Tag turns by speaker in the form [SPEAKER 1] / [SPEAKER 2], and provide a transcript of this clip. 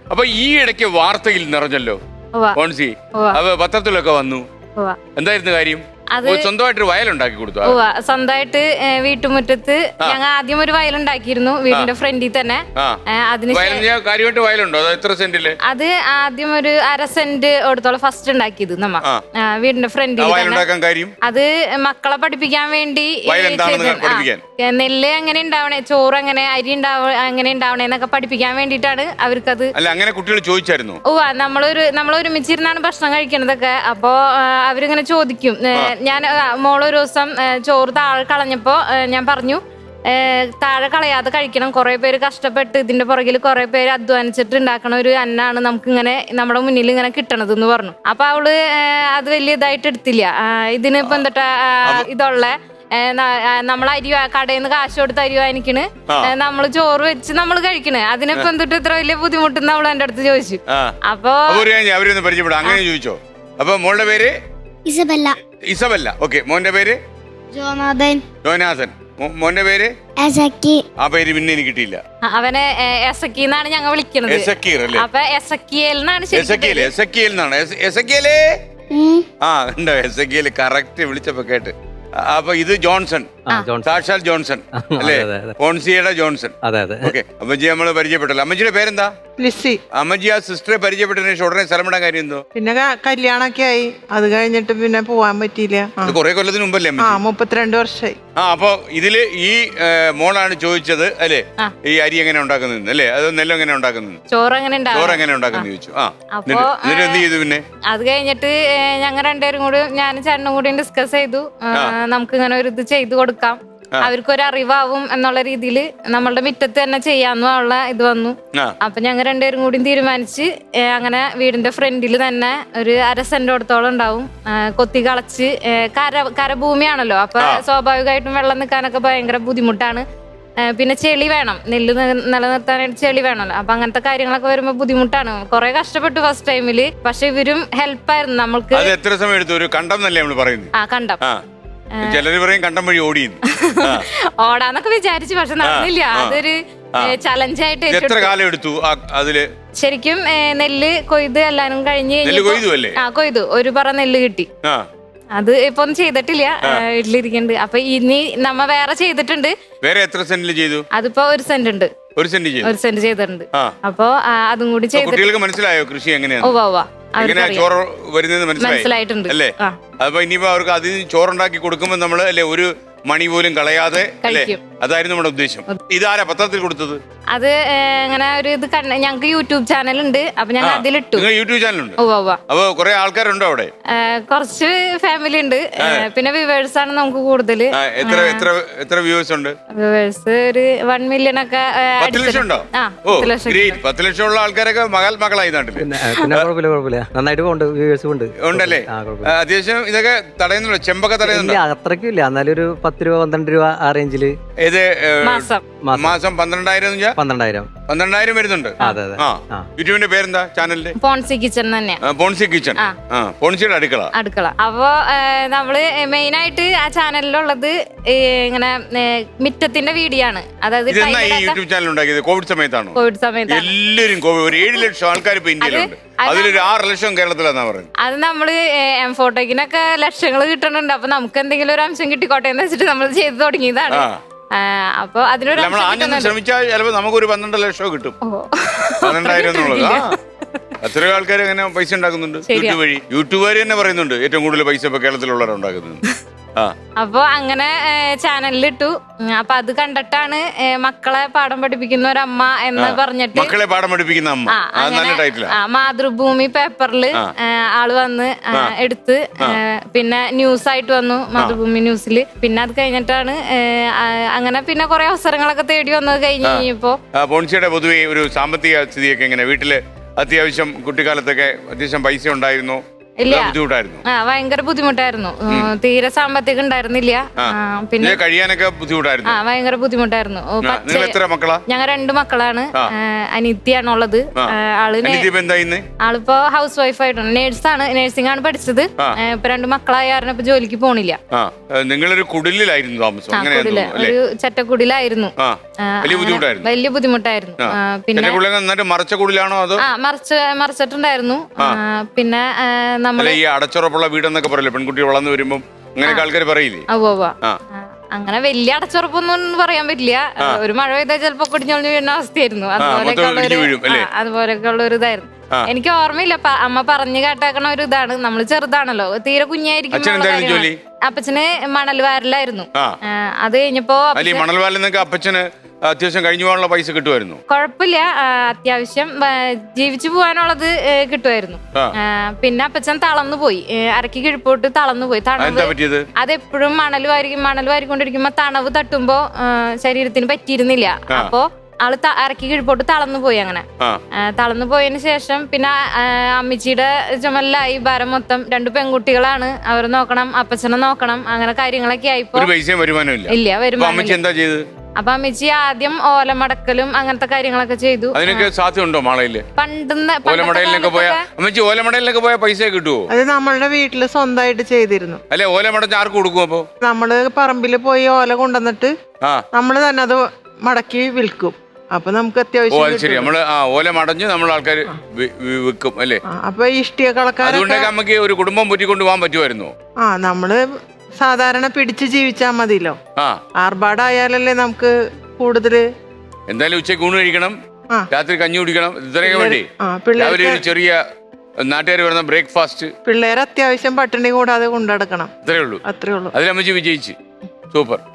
[SPEAKER 1] അപ്പൊ ഈ ഇടയ്ക്ക് വാർത്തയിൽ നിറഞ്ഞല്ലോ പോൺസി, അപ്പൊ പത്രത്തിലൊക്കെ വന്നു. എന്തായിരുന്നു കാര്യം? സ്വന്തമായിട്ട് വയലുണ്ടാക്കി കൊടുത്തു.
[SPEAKER 2] സ്വന്തമായിട്ട് വീട്ടുമുറ്റത്ത് ഞങ്ങൾ ആദ്യം ഒരു വയലുണ്ടാക്കിയിരുന്നു വീടിന്റെ ഫ്രണ്ടിൽ തന്നെ.
[SPEAKER 1] കാര്യമായിട്ട് വയലുണ്ടോ? എത്ര സെന്റില്?
[SPEAKER 2] അത് ആദ്യം ഒരു 1/2 സെന്റ് എടുത്തോളം ഫസ്റ്റ് ഉണ്ടാക്കിയത് നമ്മ വീടിന്റെ ഫ്രണ്ടിൽ. അത് മക്കളെ പഠിപ്പിക്കാൻ വേണ്ടി നെല്ല് എങ്ങനെ ഉണ്ടാവണേ, ചോറ് എങ്ങനെ, അരി എങ്ങനെ ഉണ്ടാവണേ എന്നൊക്കെ പഠിപ്പിക്കാൻ വേണ്ടിട്ടാണ് അവർക്കത്.
[SPEAKER 1] അങ്ങനെ കുട്ടികൾ ചോദിച്ചായിരുന്നു.
[SPEAKER 2] നമ്മളൊരുമിച്ചിരുന്നാണ് ഭക്ഷണം കഴിക്കണതൊക്കെ. അപ്പൊ അവരിങ്ങനെ ചോദിക്കും. ഞാൻ മോളൊരു ദിവസം ചോറ് താഴെ കളഞ്ഞപ്പോ ഞാൻ പറഞ്ഞു, താഴെ കളയാതെ കഴിക്കണം, കുറെ പേര് കഷ്ടപ്പെട്ട് ഇതിന്റെ പുറകിൽ കുറെ പേര് അധ്വാനിച്ചിട്ട് ഉണ്ടാക്കണ ഒരു അന്നാണ് നമുക്ക് ഇങ്ങനെ നമ്മുടെ മുന്നിൽ ഇങ്ങനെ കിട്ടണത് എന്ന് പറഞ്ഞു. അപ്പൊ അവള് അത് വലിയ ഇതായിട്ട് എടുത്തില്ല. ഇതിനിപ്പോ എന്താ ഇതുള്ള നമ്മൾ അരി കടയിൽ നിന്ന് കാശ് കൊടുത്ത് അരി വാങ്ങിക്കണ്, നമ്മള് ചോറ് വെച്ച് നമ്മൾ കഴിക്കണ്, അതിനിപ്പോ എന്തിട്ട് ഇത്ര വലിയ ബുദ്ധിമുട്ടെന്ന് അവള് എന്റെ അടുത്ത് ചോദിച്ചു. അപ്പൊ
[SPEAKER 1] അങ്ങനെ ചോദിച്ചോ? അപ്പൊ മോളുടെ പേര് ഇസബല്ല. ഓക്കെ. മോന്റെ പേര് ജോനാഥൻ. മോന്റെ പേര് ആ പേര് പിന്നെ എനിക്ക് കിട്ടിയില്ല.
[SPEAKER 2] അവനെ എസക്കി എന്നാണ് ഞങ്ങൾ വിളിക്കുന്നത്. അപ്പൊ എസക്കിയേൽ
[SPEAKER 1] എന്നാണ്. ഉണ്ടോ? എസക്കിയേൽ കറക്റ്റ് വിളിച്ചപ്പോ കേട്ട്. അപ്പൊ ഇത് ജോൺസൺ, സാക്ഷാൽ ജോൺസൺ അല്ലേ? പോൺസിയുടെ ജോൺസൺ. ഓക്കെ. അമ്മജി നമ്മള് പരിചയപ്പെട്ടല്ലോ. അമ്മജിയുടെ പേരെന്താ?
[SPEAKER 3] ലിസി.
[SPEAKER 1] അമ്മജി ആ സിസ്റ്ററെ പരിചയപ്പെട്ടതിന് ശേഷം ഉടനെ സ്ഥലം വിടാൻ കാര്യം എന്തോ?
[SPEAKER 3] പിന്നെ കല്യാണൊക്കെ ആയി, അത് കഴിഞ്ഞിട്ട് പിന്നെ പോവാൻ പറ്റിയില്ല.
[SPEAKER 1] കുറെ കൊല്ലത്തിന് മുമ്പല്ലേ?
[SPEAKER 3] 32 വർഷമായി.
[SPEAKER 1] അപ്പൊ ഇതില് ഈ മോളാണ് ചോദിച്ചത് അല്ലേ, ഈ അരി എങ്ങനെ ഉണ്ടാക്കുന്നത് അല്ലേ, അത് നെല്ല് എങ്ങനെ ഉണ്ടാക്കുന്നത്,
[SPEAKER 2] ചോറ് എങ്ങനെ
[SPEAKER 1] ഉണ്ടാക്കുന്നത് ചോദിച്ചു. എന്നിട്ട് എന്ത് ചെയ്തു? പിന്നെ അത്
[SPEAKER 2] കഴിഞ്ഞിട്ട് ഞങ്ങൾ രണ്ടുപേരും കൂടി, ഞാനും ചേട്ടനും കൂടി ഡിസ്കസ് ചെയ്തു, നമുക്ക് ഇങ്ങനെ ഒരു ഇത് ചെയ്തു കൊടുക്കാം, അവർക്കൊരു അറിവാവും എന്നുള്ള രീതിയിൽ നമ്മളുടെ മുറ്റത്ത് തന്നെ ചെയ്യാന്നുള്ള ഇത് വന്നു. അപ്പൊ ഞങ്ങൾ രണ്ടുപേരും കൂടി തീരുമാനിച്ച് അങ്ങനെ വീടിന്റെ ഫ്രണ്ടിൽ തന്നെ ഒരു 1/2 സെന്റോടത്തോളം ഉണ്ടാവും. കൊത്തി കളച്ച് കരഭൂമിയാണല്ലോ, അപ്പൊ സ്വാഭാവികമായിട്ടും വെള്ളം നിൽക്കാനൊക്കെ ഭയങ്കര ബുദ്ധിമുട്ടാണ്. പിന്നെ ചെളി വേണം, നെല്ല് നിലനിർത്താനായിട്ട് ചെളി വേണമല്ലോ. അപ്പൊ അങ്ങനത്തെ കാര്യങ്ങളൊക്കെ വരുമ്പോ ബുദ്ധിമുട്ടാണ്. കുറെ കഷ്ടപ്പെട്ടു ഫസ്റ്റ് ടൈമില്, പക്ഷെ ഇവരും ഹെൽപ്പായിരുന്നു നമ്മൾക്ക്.
[SPEAKER 1] എത്ര സമയം എടുത്തു? ഒരു കണ്ടം എന്നല്ലേ നമ്മൾ പറയുന്നത്?
[SPEAKER 2] കണ്ടം.
[SPEAKER 1] ചിലര് പറയും കണ്ടം വഴി ഓടി
[SPEAKER 2] ഓടാന്നൊക്കെ വിചാരിച്ചു, പക്ഷെ നടന്നില്ല. അതൊരു ചലഞ്ചായിട്ട്.
[SPEAKER 1] എത്ര കാലം എടുത്തു അതില്?
[SPEAKER 2] ശരിക്കും നെല്ല് കൊയ്ത് എല്ലാരും കഴിഞ്ഞ് കൊയ്തു, ഒരു പറ നെല്ല് കിട്ടി. അത് ഇപ്പൊ ഒന്നും ചെയ്തിട്ടില്ല, വീട്ടിലിരിക്കുന്നുണ്ട്. അപ്പൊ ഇനി നമ്മ വേറെ ചെയ്തിട്ടുണ്ട്.
[SPEAKER 1] വേറെ എത്ര സെന്റില് ചെയ്തു?
[SPEAKER 2] അതിപ്പോ 1 സെന്റ് ഉണ്ട്.
[SPEAKER 1] 1 സെന്റ്
[SPEAKER 2] ചെയ്തിട്ടുണ്ട്. അപ്പൊ അതും കൂടി ചെയ്തു.
[SPEAKER 1] മനസ്സിലായോ കൃഷി എങ്ങനെയാണ്?
[SPEAKER 2] ചോറ്
[SPEAKER 1] വരുന്നത് മനസ്സിലായിട്ടുണ്ട് അല്ലേ? അപ്പൊ ഇനിയിപ്പോ അവർക്ക് അതിന് ചോറുണ്ടാക്കി കൊടുക്കുമ്പോ നമ്മള് അല്ലെ ഒരു മണി പോലും കളയാതെ അല്ലേ? അതായിരുന്നു നമ്മുടെ ഉദ്ദേശം. ഇതാരാ പത്രത്തിൽ കൊടുത്തത്?
[SPEAKER 2] അത് അങ്ങനെ ഒരു ഇത് ഞങ്ങൾക്ക് യൂട്യൂബ് ചാനൽ ഉണ്ട്, അപ്പൊ ഞങ്ങൾ അതിലിട്ടു.
[SPEAKER 1] യൂട്യൂബ് ചാനൽ ഉണ്ട്? അപ്പൊ കുറെ ആൾക്കാരുണ്ടോ അവിടെ?
[SPEAKER 2] കുറച്ച് ഫാമിലി ഉണ്ട്, പിന്നെ വ്യൂവേഴ്സ് ആണ് നമുക്ക് കൂടുതൽ.
[SPEAKER 1] എത്ര വ്യൂവേഴ്സ് ഉണ്ട്?
[SPEAKER 2] വ്യൂവേഴ്സ് ഒരു 1 മില്യൺ ഒക്കെ.
[SPEAKER 1] 10 ലക്ഷം ഉണ്ടോ? 10 ലക്ഷം ഉള്ള ആൾക്കാരൊക്കെ മകളായി നാട്ടില്.
[SPEAKER 4] നന്നായിട്ട്
[SPEAKER 1] ഉണ്ടല്ലേ? അത്യാവശ്യം ഇതൊക്കെ തടയുന്നുണ്ടോ? ചെമ്പൊക്കെ തടയുന്നുണ്ടോ?
[SPEAKER 4] അത്രയ്ക്കും ഇല്ല, എന്നാലും ഒരു 10 രൂപ 12 രൂപ ആ റേഞ്ചില്.
[SPEAKER 1] ഇത് മാസം 12,000 വരുന്നുണ്ട്. യൂട്യൂബിന്റെ പേരെന്താ ചാനലിന്റെ?
[SPEAKER 2] പോൺസി കിച്ചൺ തന്നെ.
[SPEAKER 1] പോൺസി കിച്ചൺ, പോൺസിയുടെ അടുക്കള.
[SPEAKER 2] അപ്പൊ നമ്മള് മെയിൻ ആയിട്ട് ആ ചാനലിലുള്ളത് ഇങ്ങനെ മിറ്റത്തിന്റെ വീഡിയോ ആണ്. അതായത്
[SPEAKER 1] യൂട്യൂബ് ചാനൽ ഉണ്ടാക്കിയത് കോവിഡ് സമയത്താണോ?
[SPEAKER 2] കോവിഡ് സമയത്ത്
[SPEAKER 1] എല്ലാവരും ഒരു 7 ലക്ഷം ആൾക്കാർ ഇപ്പൊ ഇന്ത്യയിലുണ്ട്. അതിലൊരു 6 ലക്ഷം കേരളത്തിലാന്നാ പറയുന്നത്.
[SPEAKER 2] അത് നമ്മള് ഫോട്ടോക്കിനൊക്കെ ലക്ഷങ്ങൾ കിട്ടുന്നുണ്ട്. അപ്പൊ നമുക്ക് എന്തെങ്കിലും ഒരു അംശം കിട്ടിക്കോട്ടെ എന്ന് വെച്ചിട്ട് നമ്മൾ ചെയ്ത് തുടങ്ങിയതാണ്. അപ്പൊ അതിനൊരു
[SPEAKER 1] ശ്രമിച്ചാൽ ചിലപ്പോ നമുക്കൊരു 12 ലക്ഷം കിട്ടും. 12,000 എന്നുള്ളത്. അത്രയും ആൾക്കാർ അങ്ങനെ പൈസ ഉണ്ടാക്കുന്നുണ്ട് യൂട്യൂബ് വഴി. യൂട്യൂബുകാർ തന്നെ പറയുന്നുണ്ട് ഏറ്റവും കൂടുതൽ പൈസ ഇപ്പൊ കേരളത്തിലുള്ളവരാണ് ഉണ്ടാക്കുന്നത്.
[SPEAKER 2] അപ്പൊ അങ്ങനെ ചാനലിലിട്ടു. അപ്പൊ അത് കണ്ടിട്ടാണ് മക്കളെ പാഠം പഠിപ്പിക്കുന്ന ഒരമ്മ എന്ന് പറഞ്ഞിട്ട്,
[SPEAKER 1] മക്കളെ പാഠം പഠിപ്പിക്കുന്ന അമ്മ,
[SPEAKER 2] മാതൃഭൂമി പേപ്പറിൽ ആള് വന്ന് എടുത്ത്, പിന്നെ ന്യൂസ് ആയിട്ട് വന്നു മാതൃഭൂമി ന്യൂസിൽ. പിന്നെ അത് കഴിഞ്ഞിട്ടാണ് അങ്ങനെ പിന്നെ കുറെ അവസരങ്ങളൊക്കെ തേടി വന്നത്. കഴിഞ്ഞ് കഴിഞ്ഞപ്പോ
[SPEAKER 1] പോൺസിയുടെ പൊതുവെ ഒരു സാമ്പത്തിക സ്ഥിതിയൊക്കെ എങ്ങനെ? വീട്ടില് അത്യാവശ്യം കുട്ടിക്കാലത്തൊക്കെ അത്യാവശ്യം പൈസ ഉണ്ടായിരുന്നു?
[SPEAKER 2] ഇല്ല.
[SPEAKER 1] ബുദ്ധിമുട്ടായിരുന്നു.
[SPEAKER 2] ഭയങ്കര ബുദ്ധിമുട്ടായിരുന്നു. തീരെ സാമ്പത്തികം ഉണ്ടായിരുന്നില്ല. പിന്നെ
[SPEAKER 1] കഴിയാനൊക്കെ ബുദ്ധിമുട്ടായിരുന്നു.
[SPEAKER 2] ഭയങ്കര ബുദ്ധിമുട്ടായിരുന്നു.
[SPEAKER 1] എത്ര മക്കളാ?
[SPEAKER 2] ഞങ്ങൾ 2 മക്കളാണ്. അനിത്യാണുള്ളത്. ആളിപ്പോ ഹൗസ് വൈഫ് ആയിട്ടാണ്. നേഴ്സാണ്, നേഴ്സിംഗ് ആണ് പഠിച്ചത്. ഇപ്പൊ 2 മക്കളായ കാരണം ഇപ്പൊ ജോലിക്ക് പോണില്ല.
[SPEAKER 1] നിങ്ങളൊരു കുടിലായിരുന്നു താമസം?
[SPEAKER 2] ഒരു ചെറ്റക്കുടിലായിരുന്നു. വലിയ ബുദ്ധിമുട്ടായിരുന്നു.
[SPEAKER 1] പിന്നെ മറച്ച കുടിലാണോ അതോ?
[SPEAKER 2] മറിച്ചിട്ടുണ്ടായിരുന്നു. പിന്നെ നമ്മള്
[SPEAKER 1] ഈ അടച്ചുറപ്പുള്ള വീടെന്നൊക്കെ പറയില്ലേ, പെൺകുട്ടികൾ വളർന്നു വരുമ്പോ അങ്ങനെയൊക്കെ ആൾക്കാർ പറയില്ലേ?
[SPEAKER 2] അങ്ങനെ വലിയ അടച്ചുറപ്പൊന്നും പറയാൻ പറ്റില്ല. ഒരു മഴ പെയ്താൽ ചിലപ്പോ കുടിഞ്ഞൊളിഞ്ഞു വീഴുന്ന അവസ്ഥയായിരുന്നു. അതുപോലെയൊക്കെ ഉള്ള ഒരു ഇതായിരുന്നു. എനിക്ക് ഓർമ്മയില്ല. അമ്മ പറഞ്ഞു കേട്ടേക്കണ ഒരു ഇതാണ്. നമ്മള് ചെറുതാണല്ലോ, തീരെ കുഞ്ഞായിരിക്കും. അപ്പച്ചന് മണൽ വാരലായിരുന്നു. അത് കഴിഞ്ഞപ്പോ
[SPEAKER 1] മണൽ വാരലെന്നൊക്കെ അപ്പച്ചന് അത്യാവശ്യം കഴിഞ്ഞു പോകാനുള്ള പൈസ കിട്ടുമായിരുന്നു.
[SPEAKER 2] കുഴപ്പമില്ല, അത്യാവശ്യം ജീവിച്ചു പോകാനുള്ളത് കിട്ടുമായിരുന്നു. പിന്നെ അപ്പച്ചൻ തളർന്നു പോയി, അരക്ക് കിഴിപ്പോട്ട് തളർന്നു പോയി. തണവ് അതെപ്പോഴും മണൽ വാരിക്കൊണ്ടിരിക്കുമ്പോ തണവ് തട്ടുമ്പോ ശരീരത്തിന് പറ്റിയിരുന്നില്ല. അപ്പോ ആള് അരക്ക് കിഴിപ്പോട്ട് തളർന്നു പോയി. അങ്ങനെ തളർന്നു പോയതിനു ശേഷം പിന്നെ അമ്മച്ചിയുടെ ചുമലിലായി ഭാരം മൊത്തം. 2 പെൺകുട്ടികളാണ്, അവരെ നോക്കണം, അപ്പച്ചനെ നോക്കണം, അങ്ങനെ കാര്യങ്ങളൊക്കെ ആയിപ്പോ ഇല്ല വരുമാനം. അപ്പൊ അമ്മച്ചി ആദ്യം ഓലമടക്കലും അങ്ങനത്തെ കാര്യങ്ങളൊക്കെ ചെയ്തു.
[SPEAKER 1] അതിനൊക്കെ സാധ്യതയുണ്ടോ മാളയില്? ഓലമടയിലൊക്കെ പോയ പൈസ കിട്ടുമോ?
[SPEAKER 3] അത് നമ്മളുടെ വീട്ടില് സ്വന്തമായിട്ട് ചെയ്തിരുന്നു.
[SPEAKER 1] അല്ലെ, ഓലമടച്ച് ആർക്ക് കൊടുക്കും? അപ്പൊ
[SPEAKER 3] നമ്മള് പറമ്പില് പോയി ഓല കൊണ്ടുവന്നിട്ട് നമ്മള് തന്നെ അത് മടക്കി വിൽക്കും. അപ്പൊ നമുക്ക് അത്യാവശ്യം
[SPEAKER 1] ശരി, നമ്മള് ഓല മടഞ്ഞ് നമ്മൾ ആൾക്കാർ വിൽക്കും അല്ലേ?
[SPEAKER 3] അപ്പൊ ഇഷ്ടിക കളക്കാരൊക്കെ
[SPEAKER 1] നമുക്ക് ഒരു കുടുംബം പൊറ്റിക്കൊണ്ട് പോകാൻ പറ്റുമായിരുന്നു.
[SPEAKER 3] നമ്മള് സാധാരണ പിടിച്ച് ജീവിച്ചാ മതിയല്ലോ. ആർഭാടായാലല്ലേ നമുക്ക് കൂടുതല്.
[SPEAKER 1] എന്തായാലും ഉച്ചയ്ക്ക് ഊണ് കഴിക്കണം, രാത്രി കഞ്ഞി കുടിക്കണം, ഇത്രയൊക്കെ വേണ്ടി രാവിലെ ഒരു ചെറിയ നാട്ടുകാർ വരുന്ന ബ്രേക്ക്ഫാസ്റ്റ്.
[SPEAKER 3] പിള്ളേരെ അത്യാവശ്യം പട്ടിണി കൂടാതെ കൊണ്ടുനടക്കണം.
[SPEAKER 1] അത്രേ ഉള്ളൂ. അതിൽ അമ്മച്ചി വിജയിച്ച്. സൂപ്പർ.